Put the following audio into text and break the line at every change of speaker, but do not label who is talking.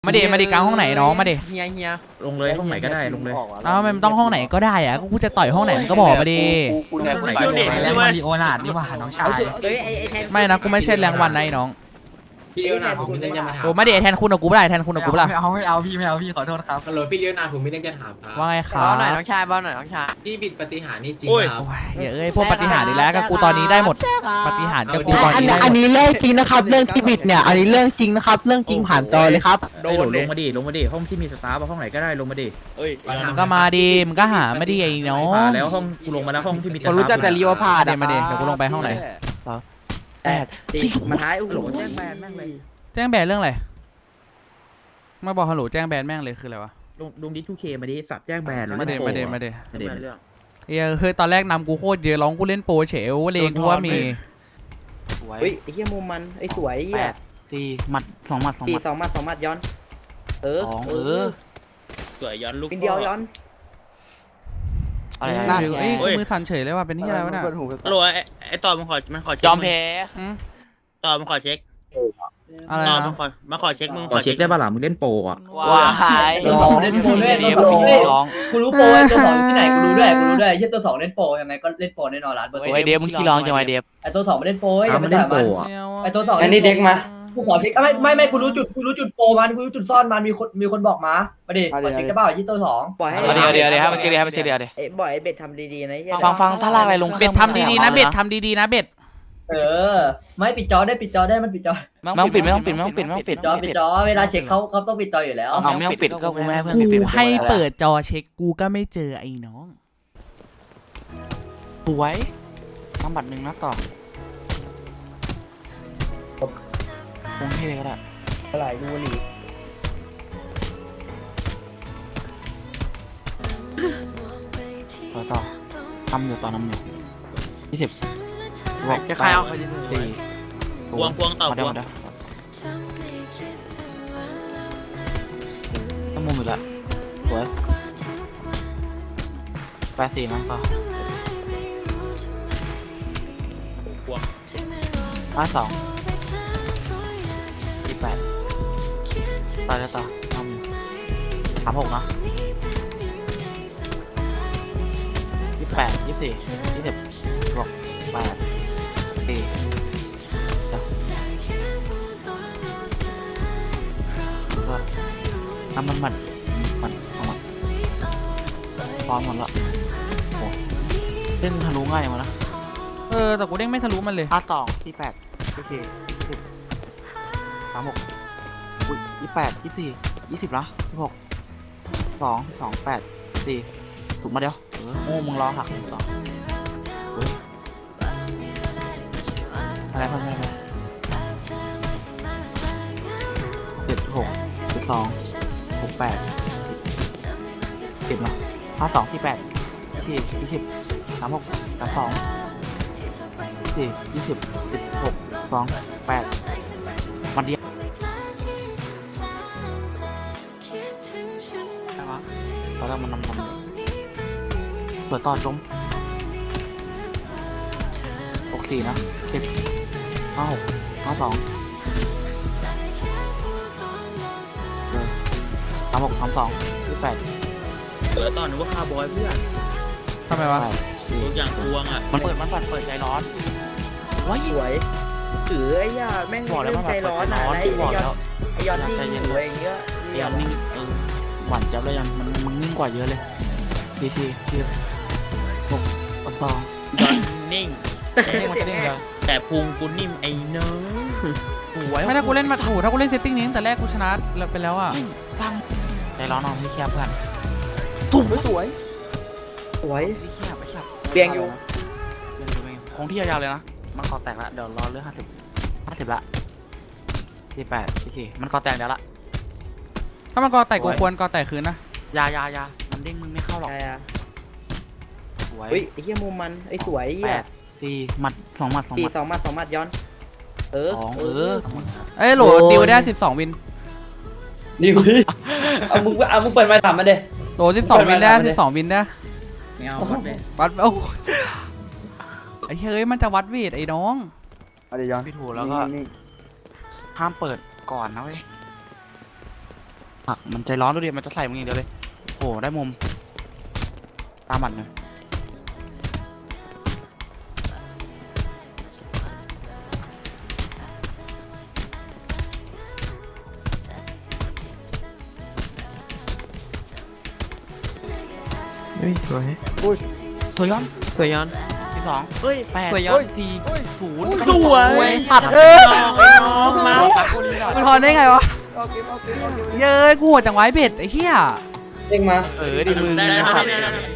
มาดิกลางห้องไหนน้องมาดิ
เฮีย
ลงเลยห้องไหนก็ได้ลงเลย
มันต้องห้องไหนก็ได้อะกูจะต่อยห้องไหนก็บอกมาดิ
ห้องไหนก็ได้
แล้วมาริโอนาดนี่ว่าน้องชาย
ไม่นะกูไม่ใช่แรงวันนะน้อง
พี่เลี้ยวนาผมมีเรื่องจะมาถาม
โอ้มาดิแทนคุณกับกูไม่ได้แทนคุณกับกูไม่ได้
ไม่เอาพี่ขอโทษครับ
ฮัลโหลพี่เลี้ยวนาผมมีเรื่องจะถามครับ
ว่าไงครับ
บ้าหน่อยน้องชายบ้าหน่อยน้องชาย
พี่บิดปฏิหารนี่จริงครับ
พวกปฏิหารอีกแล้วกับกูตอนนี้ได้หมดปฏิหารกับกูตอนนี้ได้หมด
อันนี้เรื่องจริงนะครับเรื่องที่บิดเนี่ยอันนี้เรื่องจริงนะครับเรื่องจริงผ่านจอเลยครับ
โดนลงมาดิห้องที่มีสตาร์ห้องไหนก็ได้ลงมาดิ
มึงก็มาดิมึงก็หามาดิไอ้น้อง
แล้วห้องกูลงมาแล้วห้องที่มี
คนรู้จักแต่รีโอพาเดี๋ยวมาดิเดี๋ยวกูลงไปห้องไหน
มาท้ายโอ้โหแจ้งแบนแม่งเลย
แจ้งแบนเรื่องอะไรมาบอกฮัลโหลแจ้งแบนแม่งเลยคืออะไรวะ
ลงดิ2Kมาดิสับแจ้งแบน
มาดิเฮ้ยตอนแรกนำกูโคตรเยอะร้องกูเล่นโปรเฉวเลงกูว่ามี
เฮ้ยไอ้เหี้ยมุมมันไอ้สวยเหี้ย
หมัด2 หมัด
2 หมัดย้อน
สวยย้อนลูก
เป็นเดียวย้อน
อะไรมือสั่นเฉยเลยว่ะเป็นที่อะไรวะเนี่ย
ฮัลโหลไอต่อมันขอย
อมแพ้
ต่อมันขอเช็ค
อะไรนะ
มาขอเช็คมึงขอเช็คได้ป่ะล่ะมึงเล่นโปรอ่ะ
ว้าย
เล่นโปรด้วยกูรู้โปรตัว2ที่ไหนกูรู้ด้วยไอ้เหี้ยตัว2เล่นโปรยังไงก็เล่นโปรแน่นอนล้านเปอร์เซ็นต์
ไอเดฟมึงขี้ร้องจังไอเดฟ
ไอ้ตัว2ไม่เล่นโปรอย่า
ไม่เล่นโปร
ไอ้ตัว2อันนี้เด็กมากูขอเช็คไม่กูรู้จุดโปรมันกูรู้จุดซ่อนมันมีคนบอกมาประเดี๋ยวขอเช็คได้ป่ะยี่ตัว2ปล่อยให้
เดี๋ยวให้มันเช็คเดี๋ยว
บ่อยไอ้เบ็ดทำดีๆนะ
ฟังถ้าลากอะไรลง
เบ็ดทำดีๆนะเบ็ดทำดีๆนะเบ็ด
ไม่ปิดจอได้มันปิดจอ
ไม่ต้องปิด
ปิดจอเวลาเช็คเขาต้องปิดจออยู่แล้ว
ไม่ต้องปิดก็กูไม่ให้เพื่อน
กูให้เปิดจอเช็คกูก็ไม่เจอไอ้น้อง
สวยทำบัตร1นะต่อคงที่เลยก็ได้
อะไรดูหลี
ต่อทำอยู่ต่อน้ำอยู่20
จะใครเอา
พวงต่อพวง
ต้องมุมอยู่ละสวย84มั้งก็
พวง
52 28ต่อแล้วต่อทำ36นะ28 24 20บวก8 4ทำมันพร้อมหมดละโอ้เล่นทะลุง่ายมานะ
แต่กูเด้งไม่ทะลุมันเลย
52 48โอเค36อุ้ย28 24 20ละ16 2 2 8 4ถูกมาเดียวโอ้มึงรอหัก2อะไรพันอะไร7 6 2 6 8 10นะ52 48 20 36 32 4 20 16 2 8มันเดียวตอนแรกมันนำเปิดตอนจมโอเคนะเก็บ56 52 36 32 28
ตอนนึกว่าคาร์บอยเพื่อน
ทำไมวะ
ทุกอย่างพวงอ่ะ
มันเปิดใจร้อน
ว้ายสวยไอ้ย่าแม่งเรื่องใจร้อนนะไอ้ยอนนิ่งอยู่อะไรเงี้ย
ยอนนิ่งหวานจับเลยยันมันนิ่งกว่าเยอะเลยที6 2
ยอนนิ่งแต่พุงกูนิ่มไอ้เนื้อ
ไม่ถ้ากูเล่นมาถูถ้ากูเล่นเซตติ้งนี้ตั้งแต่แรกกูชนะไปแล้วอ่ะ
ฟังใจร้อนนอนที่แคบเพื่อน
สวย
ที่แคบไปสับ
เบียงอยู่
คงที่ยาวๆเลยนะมันคอแตกละเดี๋ยวรอเรื่อง50ละ48 44มันคอแตกเดี๋ยวละ
ถ้ามันกอแตกกูควรกอแตกคืนนะ
ยามันเด้งมึงไม่เข้าหรอก
สวยไอ้เหี้ยมุมมันไอ้สวย
4 หมัด 2 หมัด
2 หมัดย้อน
โหลดิวได้12 วิน
ดิวเอามึงเปิดมาถามมาเด้
โหล12 วินได้12 วินได้
ไม่เอาวัดเลย
ไอ้เฮ้ยมันจะวัดเวทไอ้น้อง
พี่ถูแล้วก็ห้ามเปิดก่อนนะเว้ยมันใจร้อนดูดิมันจะใส่มึงอย่างเดียวเลยโอ้ได้มุมตามหมัดเลย
เฮ้ยสวย
สวยย้อน
สวยย้อน
ที่สอง
เฮ้ย
แปด
สวยย้อน
สี่ศูนย์
สวย
สัตว์
ไอ้น้องมา
กูทอนได้ไงวะเย้ยกูโหดจังไว้เบ็ดไอ้เหี้ย
เด้งมา
ดิมึง
ได้
นะครับ
ได้